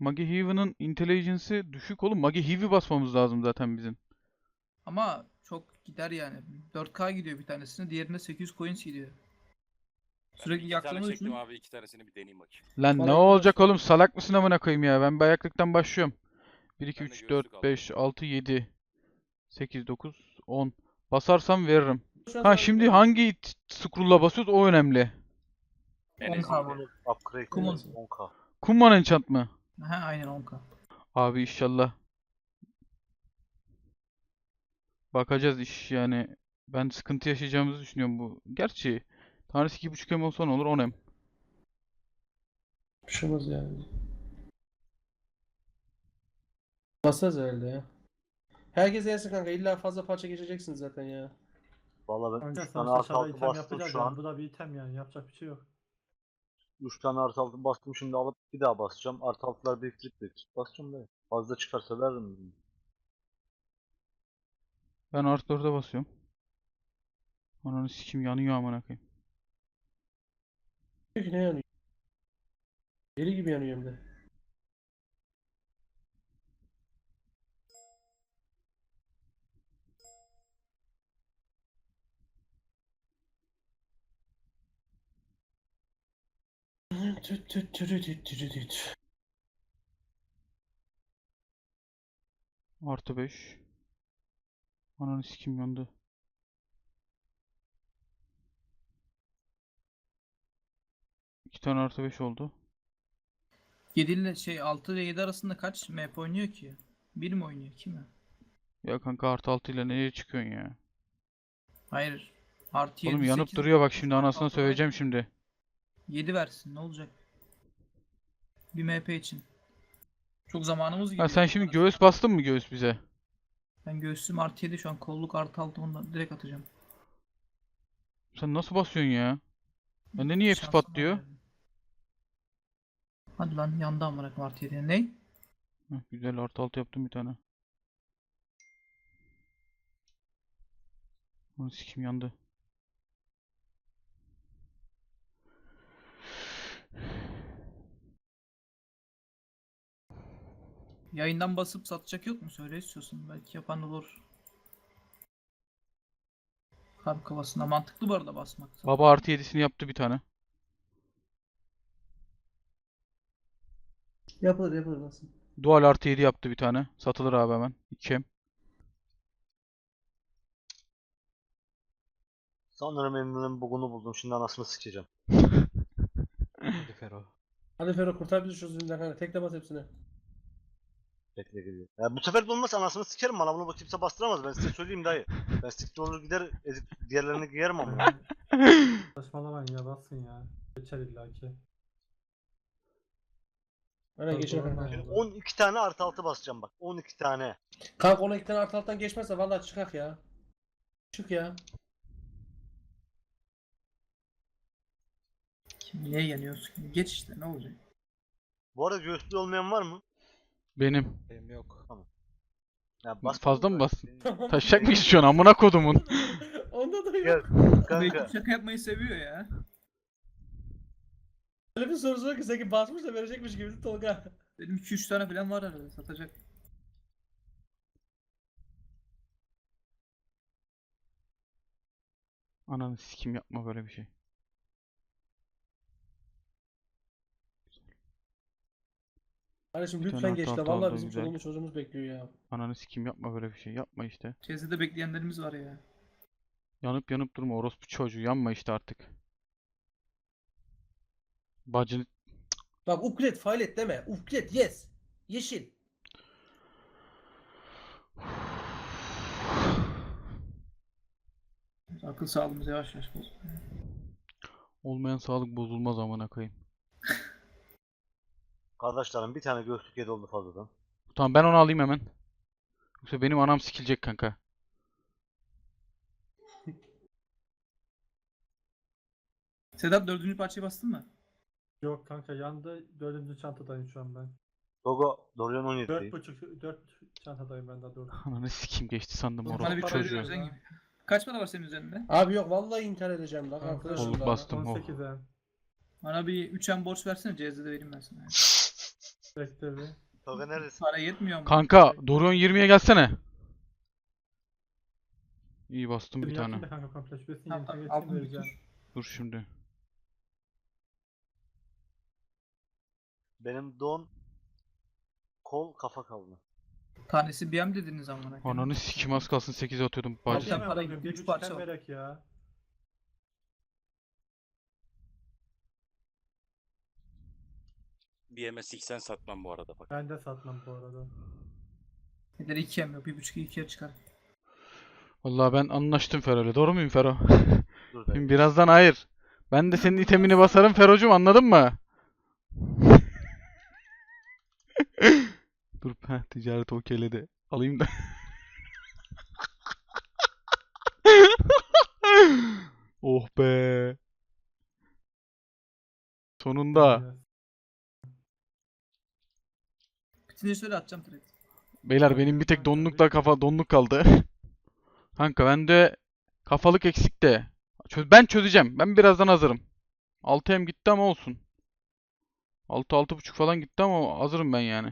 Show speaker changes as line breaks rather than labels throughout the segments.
Magi Heaven'ın intelligence'ı düşük oğlum. Magi Heavy basmamız lazım zaten bizim.
Ama çok gider yani. 4K gidiyor bir tanesine, diğerine 800 coins gidiyor. Sürekli
İki tane
yaktığımız
çektim
için
abi. 2 tanesini bir deneyeyim bakayım.
Lan ne
Bana
olacak
yavaş-
oğlum? Salak mısın amına koyayım ya? Ben bir ayaklıktan başlıyorum. 1, 2,
Ben de
3,
göğüslük
4,
aldım.
5, 6, 7, 8, 9, 10. Basarsam veririm.
Şu an
Ha
sana
şimdi
bilmiyorum.
hangi scroll'la basıyoruz o önemli.
En
10K
eziydi.
mı?
Upgrade
Kumun.
10K.
Kumman enchant mı?
He aynen 10K.
Abi inşallah. Bakacağız iş yani. Ben sıkıntı yaşayacağımızı düşünüyorum bu. Gerçi tanesi 2,5 M olsa ne olur 10 M.
Bir şey olmaz yani. Basarız herhalde ya. Herkes yersin kanka. İlla fazla parça geçeceksiniz zaten ya.
Valla ben
Kanka
3 tane
sonuçta
artı
şurada
6
item
bastım
yapacağız
şu
yani.
an.
Bu da bir item yani. Yapacak bir şey yok.
3 tane artı 6 bastım, şimdi alıp bir daha basacağım. Artı 6'lar biriktirip basacağım da. Fazla çıkarsa veririm.
Ben artı 4'e basıyorum. Ananı sikim yanıyor amına koyayım.
Peki ne yanıyor? Deli gibi yanıyor hem de. Tüt tüt tüt tüt tüt tüt.
Artı 5. Ananı sikim yandı. İki tane artı 5 oldu.
7 ile 6 ile 7 arasında kaç map oynuyor ki? 1 mi oynuyor? 2 mi?
Ya kanka artı 6 ile nereye çıkıyorsun ya?
Hayır. Artı 7,
Oğlum yanıp
8,
duruyor bak şimdi
9,
anasına
6
söyleyeceğim
var.
şimdi.
7 versin ne olacak? Bir MP için. Çok zamanımız
Ha
gidiyor.
sen şimdi göğüs bastın mı göğüs bize?
Ben göğsüm artı 7 şu an, kolluk artı 6, ondan direkt atacağım.
Sen nasıl basıyorsun ya? Bende niye hepsi
Şansıma
patlıyor?
geldi. Hadi lan yandı amına koyayım artı 7. Ne?
Heh, güzel artı 6 yaptım bir tane. Ananı sikim yandı.
Yayından basıp satacak yok mu? Söyle istiyorsun. Belki yapan olur. Kalp kafasına mantıklı bu arada basmak.
Baba artı 7'sini yaptı bir tane.
Yapılır yapılır nasıl?
Dual artı 7 yaptı bir tane. Satılır abi hemen. 2M.
Sanırım Emin'in bugunu buldum. Şimdi anasını sikeceğim.
Hadi Fero.
Hadi Fero kurtar bizi şu zulümden kanka. Tekle bas hepsine.
Bekle geliyor. Ya bu sefer de olmazsa anasını sikerim, bana bunu kimse bastıramaz. Ben size söyleyeyim dayı. Ben siktir olur gider ezip diğerlerini giyerim ama.
Saçmalamayın ya, bassın ya. Geçer illaki.
Aynen geçer
Doğru,
kanka.
doğru.
12 tane artı 6 basacağım bak. 12 tane.
Kanka ona iki tane artı alttan geçmezse vallahi çıkak ya. Çık ya.
Kim niye yanıyorsun? Geç işte ne olacak?
Bu arada göğüslü olmayan var mı?
Benim.
Benim yok. Tamam. Ya bas
Fazla mı
bunu
bastın?
da.
Taşacak mı istiyorsun amına kodumun?
Onda da
Gel
yok.
Belki
kanka.
şaka yapmayı seviyor ya.
Öyle bir soru soruyor ki sanki basmış da verecekmiş gibi Tolga.
Benim 2-3 tane falan var arada satacak.
Ananı sikim yapma böyle bir şey.
Kardeşim
Bir tane
lütfen
artı
geç la.
altı
Vallahi
oldu,
bizim
güzel.
çoluğumuz çocuğumuz bekliyor ya.
Ananı sikim yapma böyle bir şey. Yapma işte.
Çevrede bekleyenlerimiz var ya.
Yanıp yanıp durma orospu çocuğu. Yanma işte artık. Bacını...
Bak upgrade failet deme. Upgrade yes. Yeşil.
Akıl sağlığımız yavaş yavaş bozuluyor.
Olmayan sağlık bozulmaz amına koyayım.
Kardeşlerim bir tane göğüslük yedi oldu fazladan.
Tamam ben onu alayım hemen. Yoksa benim anam sikilecek kanka.
Sedat 4. parçayı bastın mı?
Yok kanka, yandı. 4. çantadayım şu an ben.
Dogo Dorian 17.
4 çantadayım ben daha doğrusu.
Ananı sikim geçti sandım
Bana
Bana bir
orospu
para
çocuğu.
çocuğu
veriyor.
gibi. Kaç para var senin üzerinde?
Abi yok vallahi intihar edeceğim bak
Kanka,
arkadaşım
Kolluk
daha.
bastım. Oh.
18'e.
Bana bir 3M borç versene, CZ'de vereyim ben sana.
Bekle bir.
Tolga neredesin?
Para yetmiyor mu?
Kanka Dorion 20'ye gelsene. İyi bastım bir
Şimdi
tane.
yapayım da kanka komple. Şurasını
Tamam,
yeniden
tamam,
geçeyim
aldım
vereceğim.
Dur şimdi.
Benim don kol kafa kaldı.
Tanesi BM dediniz amına koyayım.
Ananı sikim az kalsın 8'e atıyordum
Alacağım.
bacı.
Alacağım
para
ya,
gibi,
bir
üç
buçuk
parça
hem
var.
verek ya.
BMS sen satmam bu arada bak.
Ben de satmam bu arada.
Nedir 2 yok. 1.5'i 2'ye çıkar.
Vallahi ben anlaştım Fero'yla. Doğru muyum Fero?
Dur dayı.
Şimdi birazdan hayır. Ben de senin itemini basarım Fero'cum, anladın mı? Dur ticaret okeyledi. Alayım da. Oh be. Sonunda.
Biraz.
Bitince şöyle atacağım trade.
Beyler benim bir tek donlukla donluk kaldı. Kanka bende kafalık eksik de. Ben çözeceğim. Ben birazdan hazırım. 6M gitti ama olsun. 6-6.5 falan gitti ama hazırım ben yani.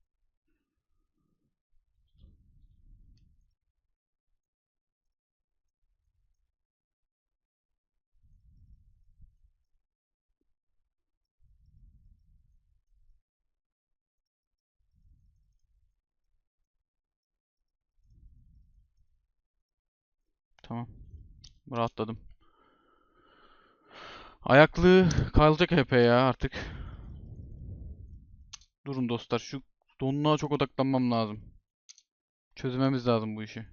Tamam. Rahatladım. Ayaklı kalacak HP ya artık. Durun dostlar, şu donluğa çok odaklanmam lazım. Çözmemiz lazım bu işi.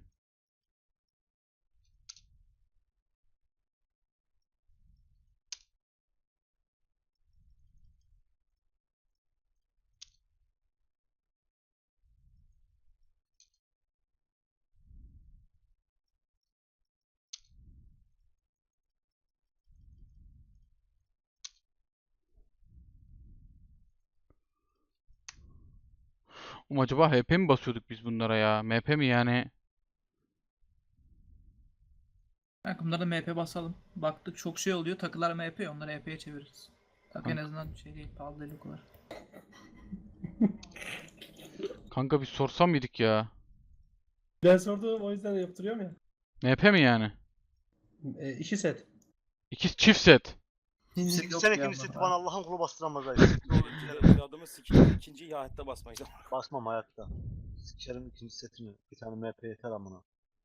Acaba HP mi basıyorduk biz bunlara ya? MP mi yani?
Kanka bunlara da MP basalım. Baktık çok şey oluyor. Takılar MP, onları EP'ye çeviririz. Takı en
Kanka.
azından şey değil, pahalı değil o kadar.
Kanka bir sorsam mıydık ya?
Ben sordum o yüzden yaptırıyorum ya.
MP mi yani?
2 set.
İki çift set.
Kimse
İkinci
yok
sene
ya
ikinci
bunlar
seti
ha.
bana Allah'ın kulu bastıramaz dayı.
Adamı sikeyim. İkinciyi hayatta basmayız.
Basmam hayatta. Sikerim ikinci setini. Bir tane MP yeter amına.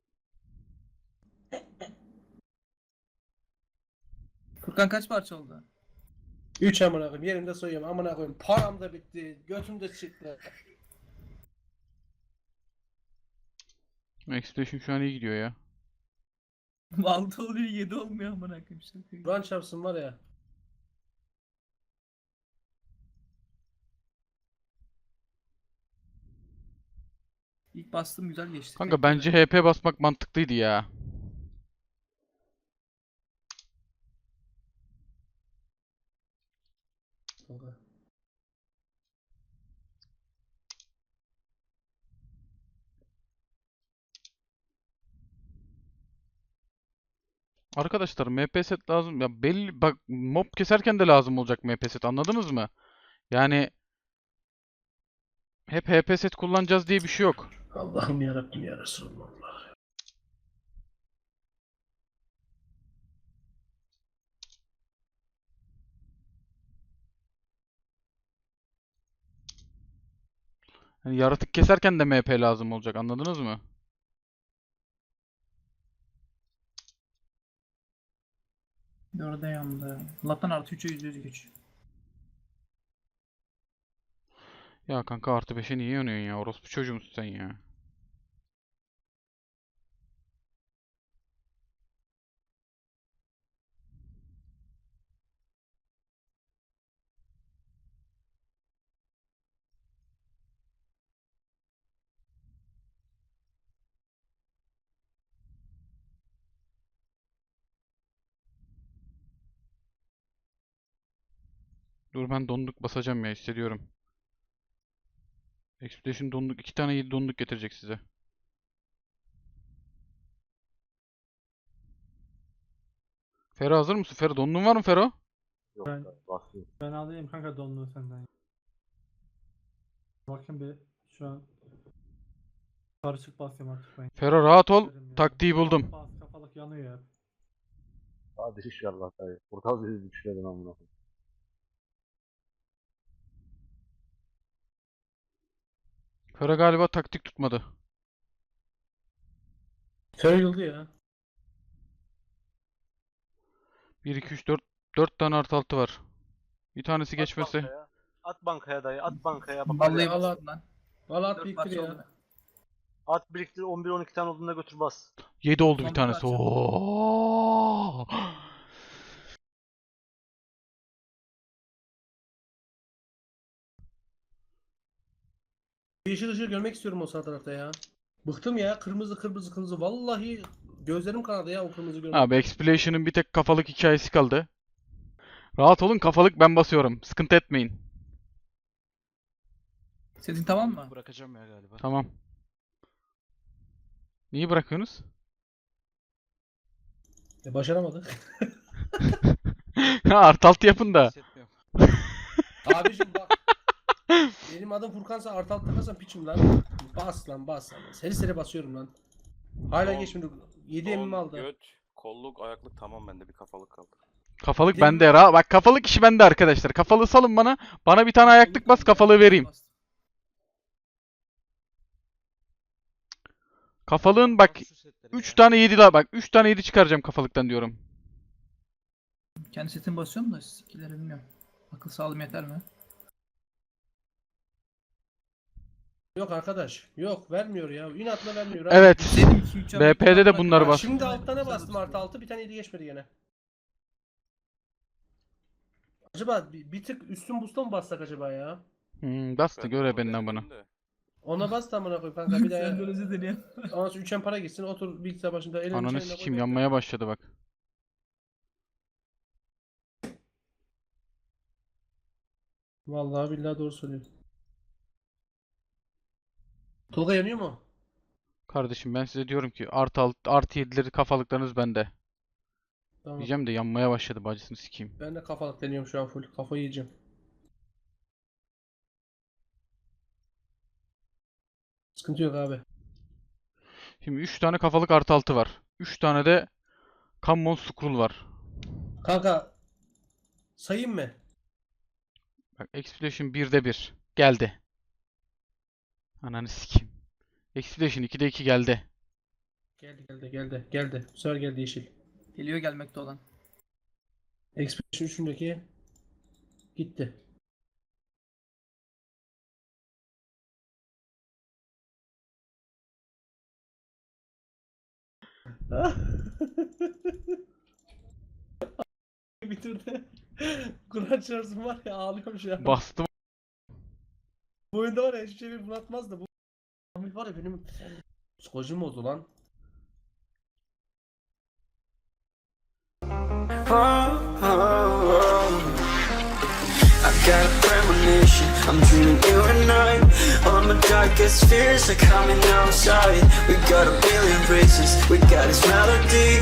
Furkan kaç parça oldu?
3 amına koyayım. Yerimde soyuyorum. Amına koyayım. Param da bitti. Götüm de çıktı.
Expedition şu an iyi gidiyor ya.
6 oluyor 7 olmuyor amına koyayım. Şaka gibi.
Kur'an çarpsın var ya.
İlk bastım güzel geçti.
Kanka
Tek
bence
yere.
HP basmak mantıklıydı ya.
Kanka.
Arkadaşlar MP set lazım. Ya belli bak, mob keserken de lazım olacak MP set, anladınız mı? Yani hep HP set kullanacağız diye bir şey yok.
Allah'ım yarabbim ya Resulallah.
Yani yaratık keserken de MP lazım olacak, anladınız mı?
Orada yandı. Allah'tan artı 3'e %100 güç.
Ya kanka artı 5'e niye yanıyorsun ya? Orospu çocuğu musun sen ya? Dur ben donduk basacağım ya, hissediyorum. Expedition donduk. 2 tane 7 donduk getirecek size. Fero hazır mısın? Fero dondun var mı Fero?
Yok
Ben-
dayı basıyor.
Ben alayım kanka donluğu senden. Bakın bir şu an karışık basıyorum artık ben.
Fero rahat ol.
Derim ya.
Taktiği buldum.
Kafalık yanıyor ya.
Hadi inşallah dayı. Portal bizi düşürdün amına koyayım.
Fero galiba taktik tutmadı.
Köyüldü ya.
1, 2, 3, 4 tane artı altı var. Bir tanesi
At
geçmese.
bankaya. At bankaya dayı. At bankaya. Bak
Vallahi
Allah.
bastım lan.
Valla at
4
biriktir
parça
ya.
oldu.
at biriktir 11-12 tane olduğunda götür bas.
7 oldu bir
Son
tanesi.
parça.
Oo!
Yeşil ışığı görmek istiyorum o sağ tarafta ya. Bıktım ya. Kırmızı kırmızı kırmızı. Vallahi gözlerim kanadı ya o kırmızı görmek.
Abi Explosion'ın bir tek kafalık hikayesi kaldı. Rahat olun, kafalık ben basıyorum. Sıkıntı etmeyin.
Sesin tamam mı?
Bırakacağım ya galiba.
Tamam. Niye bırakıyorsunuz?
Başaramadık.
Ha, artı altı yapın da.
Hissetmiyorum.
Abicim bak. Benim adım Furkan'sa artı alt takarsan piçim lan. Bas lan bas. Seri seri basıyorum lan. Hala
Son-
geçmedi. 7
Son
emimi aldı.
Göt, kolluk, ayaklık tamam, bende bir kafalık kaldı.
Kafalık
Değil mi?
bende. Bak kafalık işi bende arkadaşlar. Kafalığı salın bana. Bana bir tane ayaklık bas, kafalığı vereyim.
Bastım.
Kafalığın bak 3 tane 7 la bak 3 tane 7 çıkaracağım kafalıktan diyorum.
Kendi setimi basıyorum da skill'leri bilmiyorum. Akıl sağlığım yeter mi?
Yok arkadaş. Yok vermiyor ya. İnatla vermiyor. abi.
Evet.
Senin 2-3
BP'de de bunları bas.
Şimdi altta ne bastım artı altı bir tane 7 geçmedi gene. Acaba bir tık üstün busta mı bassak acaba ya?
Bastı
Ben
göre
onu
benden bana.
denedim de.
Ona bas da amına koy kanka bir
Sen
de
böyle deniyor.
ondan sonra üçen para gitsin otur bilgisayar başında elini
Ananı
çayına koy,
sikeyim
bekle.
yanmaya başladı bak.
Vallahi billahi doğru söylüyor. Tolga yanıyor mu?
Kardeşim ben size diyorum ki artı 7'leri kafalıklarınız bende.
Tamam.
Diyeceğim de yanmaya başladı bacısını sikeyim.
Ben de kafalık deniyorum şu an full. Kafayı yiyeceğim. Sıkıntı yok abi.
Şimdi 3 tane kafalık artı altı var. 3 tane de Common Scroll var.
Kanka sayayım mı?
Bak Explosion 1'de 1 geldi. Ananı sikeyim. Explosion 2'de 2 geldi.
Geldi. Bu sefer geldi yeşil.
Geliyor gelmekte olan.
Expedition 3'ündeki gitti. Bitirdi. Kur'an çarpsın var ya ağlıyorum şu an.
Bastım.
Bu oyunda var ya hiçbir şey beni bunaltmaz da bu Ahmet var ya benim psikolojim bozdu lan.
I got a premonition, I'm dreaming you and I. All my darkest fears are coming outside. We got a billion races, we got this melody.